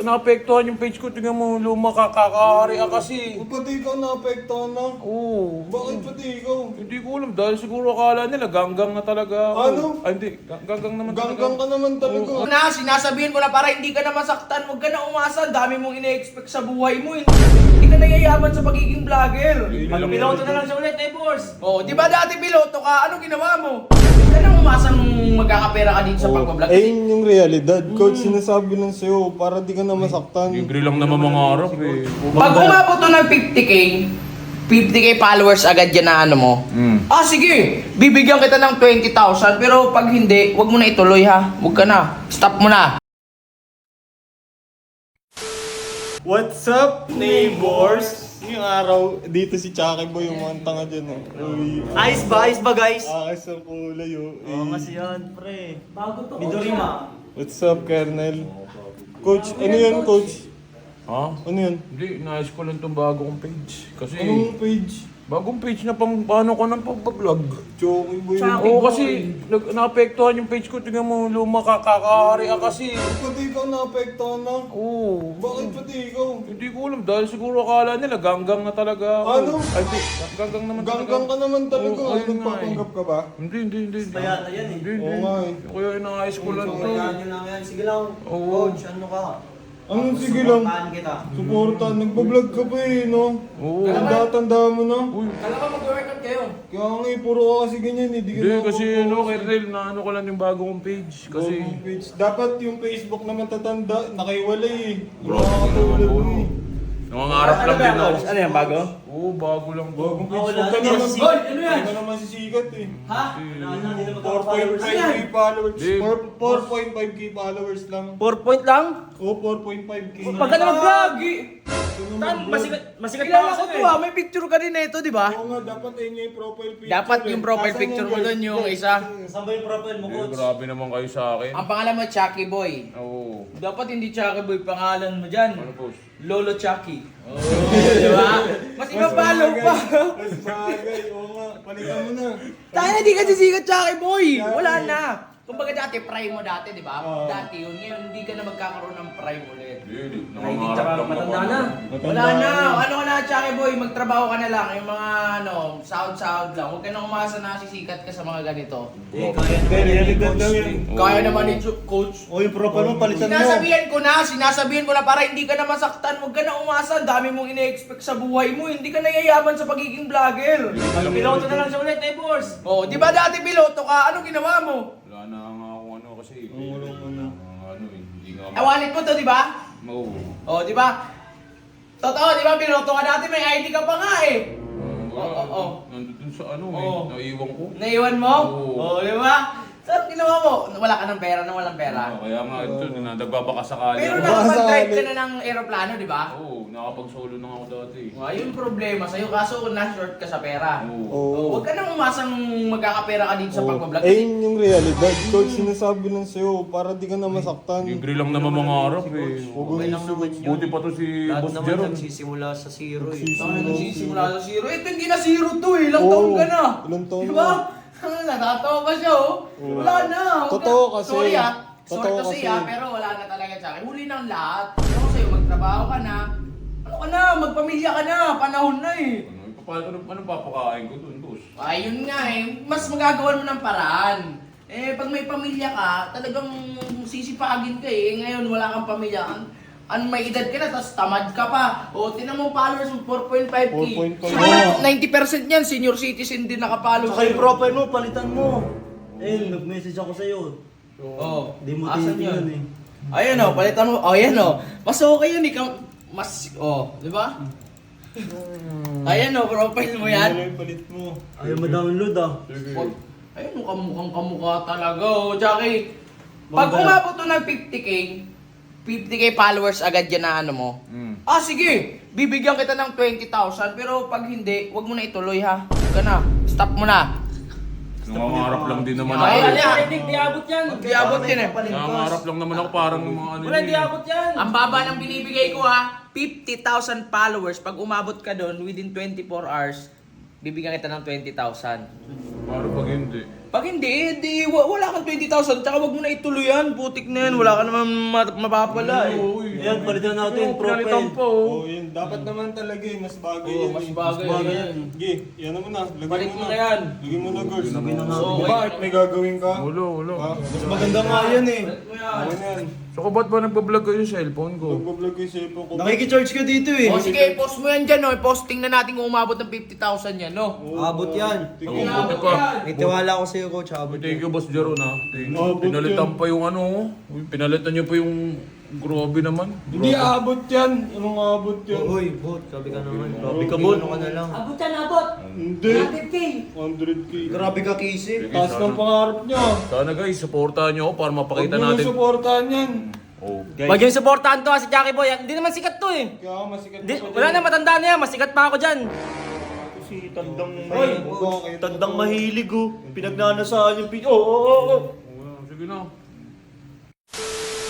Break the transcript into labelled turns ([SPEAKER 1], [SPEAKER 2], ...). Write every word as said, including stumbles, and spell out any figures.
[SPEAKER 1] naapektuhan yung page ko. Tingnan mo, luma ka, kakahari ka kasi.
[SPEAKER 2] O, pati ikaw naapektuhan na.
[SPEAKER 1] Oo.
[SPEAKER 2] Bakit pati ikaw?
[SPEAKER 1] Hindi ko alam, dahil siguro akala nila ganggang na talaga ako.
[SPEAKER 2] Ano?
[SPEAKER 1] Ay, hindi. Ga- Ganggang naman
[SPEAKER 2] Ganggang ka naman talaga.
[SPEAKER 3] Huwag na, sinasabihin ko na para hindi ka na masaktan. Huwag ka na umasa. Ang dami mong ine-expect sa buhay mo. Hindi ka nayayaman sa pagiging vlogger.
[SPEAKER 4] Piloto na lang siya ulit, eh, boss.
[SPEAKER 3] Oh, di ba dati piloto ka? Ano ginawa mo? Hindi ka na umasang magkakapera ka dito sa pagbablog.
[SPEAKER 2] Eh, yun yung realidad. Coach, sinasabi lang sa'yo para di ka na masaktan.
[SPEAKER 1] Libre lang naman mga harap eh.
[SPEAKER 3] Pag umabot to ng fifty K, fifty K followers agad yan na ano mo.
[SPEAKER 1] Mm.
[SPEAKER 3] Ah, sige. Bibigyan kita ng twenty thousand. Pero pag hindi, wag mo na ituloy ha. Wag ka na. Stop mo na.
[SPEAKER 2] What's up, neighbors? Yung araw, dito si Chucky Boy, yung mga tanga dyan. Oh. Uy,
[SPEAKER 4] Ayos ba? Ayos ba, guys?
[SPEAKER 2] akas ang kulay, oh.
[SPEAKER 4] Oo,
[SPEAKER 2] Eh,
[SPEAKER 4] kasi yan, pre. Bago to. Midorima.
[SPEAKER 2] What's up, Kernel? Coach, ano yan, Coach?
[SPEAKER 1] Ha?
[SPEAKER 2] Ano yan?
[SPEAKER 1] Hindi, naayos ko lang itong bagong page. Kasi,
[SPEAKER 2] Anong page?
[SPEAKER 1] bagong page na pang paano ko ng pagbablog.
[SPEAKER 2] Chucky Boy.
[SPEAKER 4] Chucky.
[SPEAKER 1] Oo, kasi nag, naapektuhan yung page ko. Tingnan mo, luma ka, kakahari ka kasi.
[SPEAKER 2] Pati ikaw naapektuhan na.
[SPEAKER 1] Oo.
[SPEAKER 2] Bakit pati ikaw?
[SPEAKER 1] Hindi ko alam, dahil siguro akala nila ganggang na talaga ako.
[SPEAKER 2] Ano?
[SPEAKER 1] Ay, hindi. Ganggang naman
[SPEAKER 2] Ganggang ka naman talaga.
[SPEAKER 1] Oo,
[SPEAKER 2] Ay,
[SPEAKER 1] ayun nga
[SPEAKER 2] nagpapanggap ka ba?
[SPEAKER 1] Hindi, hindi, hindi. hindi.
[SPEAKER 4] Kaya na yan, eh.
[SPEAKER 1] Hindi, hindi.
[SPEAKER 2] Oo nga, eh.
[SPEAKER 1] Kaya inaayos ko lang to.
[SPEAKER 4] Kaya nyo lang yan. Sige lang.
[SPEAKER 1] Oo.
[SPEAKER 4] Coach, ano ka?
[SPEAKER 2] Anong sige lang?
[SPEAKER 4] Suportahan kita.
[SPEAKER 2] Suporta, nagbablog ka pa eh, no?
[SPEAKER 1] Oo.
[SPEAKER 2] Tanda-tanda mo na.
[SPEAKER 1] Uy.
[SPEAKER 3] Alam ka mag-workout kayo.
[SPEAKER 2] Kaya nga eh, puro ka kasi ganyan eh. Di ka
[SPEAKER 1] Hindi,
[SPEAKER 2] na
[SPEAKER 1] kasi
[SPEAKER 2] ako-
[SPEAKER 1] ano, Kernel, na ano ko lang yung bago kong page. Kasi,
[SPEAKER 2] Bagong page. Dapat yung Facebook naman tatanda, nakaiwalay eh. Yung
[SPEAKER 1] Bro,
[SPEAKER 2] mga katulad mo eh.
[SPEAKER 1] nangangarap lang din ako.
[SPEAKER 4] Ano yan, bago?
[SPEAKER 1] Oo, bago lang to.
[SPEAKER 2] Bagong page.
[SPEAKER 4] wala
[SPEAKER 2] Huwag ka
[SPEAKER 4] na
[SPEAKER 2] naman,
[SPEAKER 4] yan.
[SPEAKER 3] Hoy, ano yan?
[SPEAKER 2] Huwag ka naman sisikat eh.
[SPEAKER 3] Ha?
[SPEAKER 4] Wala na, hindi na
[SPEAKER 2] four point
[SPEAKER 4] magkaka-followers.
[SPEAKER 2] five K followers.
[SPEAKER 1] Di.
[SPEAKER 2] four point five K followers lang.
[SPEAKER 4] four point lang?
[SPEAKER 2] Oo, four point five K.
[SPEAKER 4] Pag ka na mag-vlog!
[SPEAKER 2] Ano
[SPEAKER 4] Tan,
[SPEAKER 2] mag-vlog?
[SPEAKER 4] masikat, masikat pa
[SPEAKER 3] Kilala ko
[SPEAKER 4] kasi
[SPEAKER 3] to ah. May picture ka din nito, di ba?
[SPEAKER 2] Oo nga, dapat yun yung profile picture.
[SPEAKER 3] Dapat yung
[SPEAKER 2] eh.
[SPEAKER 3] profile
[SPEAKER 2] Asan
[SPEAKER 3] picture
[SPEAKER 2] yan,
[SPEAKER 3] mo
[SPEAKER 2] guys?
[SPEAKER 3] doon yung
[SPEAKER 2] Guys,
[SPEAKER 3] isa.
[SPEAKER 4] Saan ba yung profile mo,
[SPEAKER 1] Eh,
[SPEAKER 4] coach?
[SPEAKER 1] grabe naman kayo sa akin.
[SPEAKER 3] Ang pangalan mo, Chucky Boy.
[SPEAKER 1] Oo.
[SPEAKER 3] Dapat hindi Chucky Boy pangalan mo dyan.
[SPEAKER 1] Ano post?
[SPEAKER 3] Lolo Chucky. Oh, di ba? Mas iba-follow pa.
[SPEAKER 2] Mas bagay, oo nga. Palitan mo na.
[SPEAKER 3] Tayo na di ka sisikat Chucky Boy. Wala na. Kumbaga dati prime mo dati, di ba?
[SPEAKER 2] Oo.
[SPEAKER 3] Dati yun. Ngayon hindi ka na magkakaroon ng prime ulit.
[SPEAKER 1] Hindi,
[SPEAKER 4] Ay, hindi,
[SPEAKER 1] nangangarap
[SPEAKER 4] tsaka
[SPEAKER 1] lang
[SPEAKER 4] matanda
[SPEAKER 1] ako.
[SPEAKER 4] na.
[SPEAKER 3] Wala na. Ano ka na, Chucky Boy? Magtrabaho ka na lang. Yung mga ano, sound-sound lang. Huwag ka na umasa na sisikat ka sa mga ganito.
[SPEAKER 4] Eh, kaya naman yan, eh, coach.
[SPEAKER 1] Oo.
[SPEAKER 3] Kaya naman ni Chu- Coach.
[SPEAKER 4] O, yung profile mo, palitan mo.
[SPEAKER 3] Sinasabihan ko na, sinasabihan ko na para hindi ka na masaktan. Huwag ka na umasa. Ang dami mong ine-expect sa buhay mo. Hindi ka nayayaman sa pagiging vlogger.
[SPEAKER 4] Piloto na lang siya ulit, eh, boss.
[SPEAKER 3] Oh, di ba dati piloto ka? Ano ginawa mo?
[SPEAKER 1] Wala na nga ako ano kasi.
[SPEAKER 2] Oo, wala mo na.
[SPEAKER 1] Ah, ano eh, hindi nga.
[SPEAKER 3] Eh, wallet mo to, di ba?
[SPEAKER 1] Oo.
[SPEAKER 3] Oh, di ba? Totoo, di ba piloto ka dati? May I D ka pa nga eh.
[SPEAKER 1] Ah, wala.
[SPEAKER 3] Oo, oo.
[SPEAKER 1] Nandun sa ano eh,
[SPEAKER 3] Oo.
[SPEAKER 1] naiwan ko.
[SPEAKER 3] Naiwan mo?
[SPEAKER 1] Oo.
[SPEAKER 3] Oh, di ba? So, ginawa mo? Wala ka ng pera nang walang pera.
[SPEAKER 1] Ah, kaya nga ito, na nagbabaka sakali.
[SPEAKER 3] Pero
[SPEAKER 1] ako.
[SPEAKER 3] nakapag-drive ka
[SPEAKER 2] sakali.
[SPEAKER 3] na ng aeroplano, di ba?
[SPEAKER 1] Oo, nakapag-solo na ako dati.
[SPEAKER 3] Oh, ayun problema sa'yo, kaso na-short ka sa pera.
[SPEAKER 1] Oo.
[SPEAKER 3] Oh,
[SPEAKER 2] Oo.
[SPEAKER 3] huwag ka nang umasang magkakapera ka dito sa
[SPEAKER 2] Oo.
[SPEAKER 3] pagbablog.
[SPEAKER 2] Eh, yun yung realidad. Coach, sinasabi lang sa'yo para di ka na masaktan.
[SPEAKER 1] Libre lang naman mga harap eh.
[SPEAKER 2] Huwag mo yung
[SPEAKER 1] Buti pa to si
[SPEAKER 4] Lahat
[SPEAKER 1] Boss
[SPEAKER 4] naman
[SPEAKER 1] Jeron.
[SPEAKER 4] nagsisimula sa zero, eh.
[SPEAKER 3] Tayo nagsisimula sa zero. Ito hindi na zero to eh. Ilang taon ka na.
[SPEAKER 2] Ilang taon
[SPEAKER 3] Diba?
[SPEAKER 2] na.
[SPEAKER 3] Natatawa pa siya oh. Wala na. Huwag
[SPEAKER 2] Totoo
[SPEAKER 3] ka-
[SPEAKER 2] kasi.
[SPEAKER 3] Sorry ah. Sorry
[SPEAKER 2] Totoo
[SPEAKER 3] to say
[SPEAKER 2] kasi.
[SPEAKER 3] ah, pero wala na talaga sa akin. Huli ng lahat. Ano sa'yo, magtrabaho ka na. Ano ka na, magpamilya ka na. Panahon na eh.
[SPEAKER 1] Ano, ipapalit ano, anong papakain ko dun, boss?
[SPEAKER 3] Ayun nga eh. Mas magagawan mo ng paraan. Eh, pag may pamilya ka, talagang sisipagin ka eh. Ngayon, wala kang pamilya. An ano, may edad ka na, tapos tamad ka pa. O, tinan mo followers mo, four point five K.
[SPEAKER 2] four point five.
[SPEAKER 3] Siguro ninety percent yan, senior citizen din nakapalo
[SPEAKER 4] Tsaka yung profile mo, palitan mo. Eh, nag-message ako sa'yo.
[SPEAKER 3] Oh,
[SPEAKER 4] Di mo
[SPEAKER 3] asan
[SPEAKER 4] tinitingnan,
[SPEAKER 3] yun?
[SPEAKER 4] eh.
[SPEAKER 3] Ayun oh, palitan mo. Oh, ayan oh. Mas okay yun, ikaw. Mas, oh, di ba? Ayan oh, profile mo
[SPEAKER 2] Ano
[SPEAKER 3] yan.
[SPEAKER 2] yung palit mo?
[SPEAKER 4] Ayaw ma-download, ah.
[SPEAKER 3] Wag. Ayun, mukhang kamukha talaga oh. Jackie, pag umabot to ng fifty K, fifty K followers agad yan na ano mo.
[SPEAKER 1] Mm.
[SPEAKER 3] Ah, sige. Bibigyan kita ng twenty thousand. Pero pag hindi, wag mo na ituloy ha. Huwag ka na. Stop mo na.
[SPEAKER 1] Nangangarap lang din naman
[SPEAKER 3] Ay,
[SPEAKER 1] ako.
[SPEAKER 3] ali, ali.
[SPEAKER 4] Hindi, di abot yan.
[SPEAKER 3] Di abot yan eh.
[SPEAKER 1] Nangangarap lang naman ako parang mga ano
[SPEAKER 4] Wala,
[SPEAKER 1] yun
[SPEAKER 4] di
[SPEAKER 1] eh.
[SPEAKER 4] abot yan.
[SPEAKER 3] Ang baba ng binibigay ko ha, fifty thousand followers. Pag umabot ka doon within twenty-four hours, bibigyan kita ng twenty thousand.
[SPEAKER 1] Parang pag hindi.
[SPEAKER 3] Pag hindi, di, wa- wala kang twenty thousand, tsaka wag mo na ituloy yan. Putik na yan, wala ka naman ma- mapapala eh.
[SPEAKER 1] Uy,
[SPEAKER 4] Ayan, palitan natin,
[SPEAKER 1] pinalitan
[SPEAKER 4] profile.
[SPEAKER 1] pa oh.
[SPEAKER 2] Oh, yun. Dapat naman talaga eh. Mas bagay
[SPEAKER 3] Oo,
[SPEAKER 2] yan.
[SPEAKER 3] mas
[SPEAKER 2] eh.
[SPEAKER 3] bagay yan.
[SPEAKER 2] Sige, yan naman na. Lagay
[SPEAKER 3] Balik
[SPEAKER 2] mo
[SPEAKER 3] mo
[SPEAKER 2] na.
[SPEAKER 3] na yan.
[SPEAKER 2] Lagay mo na, girls.
[SPEAKER 4] Lagay na natin.
[SPEAKER 3] Oo,
[SPEAKER 2] Bakit may gagawin ka?
[SPEAKER 1] Wala, wala.
[SPEAKER 2] Ha? Mas maganda nga yan eh. Ano yan?
[SPEAKER 1] Saka ba't ba nagbablog kayo sa cellphone ko?
[SPEAKER 2] Nagbablog yung cellphone ko.
[SPEAKER 4] Nakikicharge ka dito eh.
[SPEAKER 3] O sige, post mo yan dyan, no? Posting na natin kung umabot ng fifty thousand yan, no?
[SPEAKER 4] Abot yan.
[SPEAKER 2] Tingnan
[SPEAKER 1] Ako,
[SPEAKER 2] mo.
[SPEAKER 1] buti pa.
[SPEAKER 4] May tiwala ko sa'yo, coach. Abot
[SPEAKER 1] Thank
[SPEAKER 4] yan.
[SPEAKER 1] you, Boss Jero na. Thank you.
[SPEAKER 2] Oh, but
[SPEAKER 1] Pinalitan
[SPEAKER 2] yun.
[SPEAKER 1] pa yung ano. Uy, pinalitan niyo pa yung grabe naman.
[SPEAKER 2] Hindi aabot yan. Anong aabot yan?
[SPEAKER 4] Uy, bot. Sabi ka naman. Grabe ka, bot. Ano ka na lang.
[SPEAKER 5] Abot yan, abot.
[SPEAKER 2] Hindi.
[SPEAKER 5] one hundred K.
[SPEAKER 2] one hundred K.
[SPEAKER 4] Grabe ka, Casey.
[SPEAKER 2] Taas ng pangarap niya.
[SPEAKER 1] Sana guys, supportahan niyo ako para
[SPEAKER 2] Huwag
[SPEAKER 1] mapakita
[SPEAKER 2] mo nang
[SPEAKER 1] natin.
[SPEAKER 2] supportahan yan.
[SPEAKER 1] Oh.
[SPEAKER 6] Wag yung supportahan to ha, si Jackie Boy. Hindi naman sikat to eh.
[SPEAKER 2] Kaya masikat
[SPEAKER 6] Di,
[SPEAKER 2] pa
[SPEAKER 6] wala na, matanda na yan. Masikat pa ako dyan.
[SPEAKER 4] Si Tandang
[SPEAKER 2] Oy, bakit?
[SPEAKER 4] Tandang mahilig oh. Pinagnanasaan yung pin... Oo, oo, oo.
[SPEAKER 1] Sige na.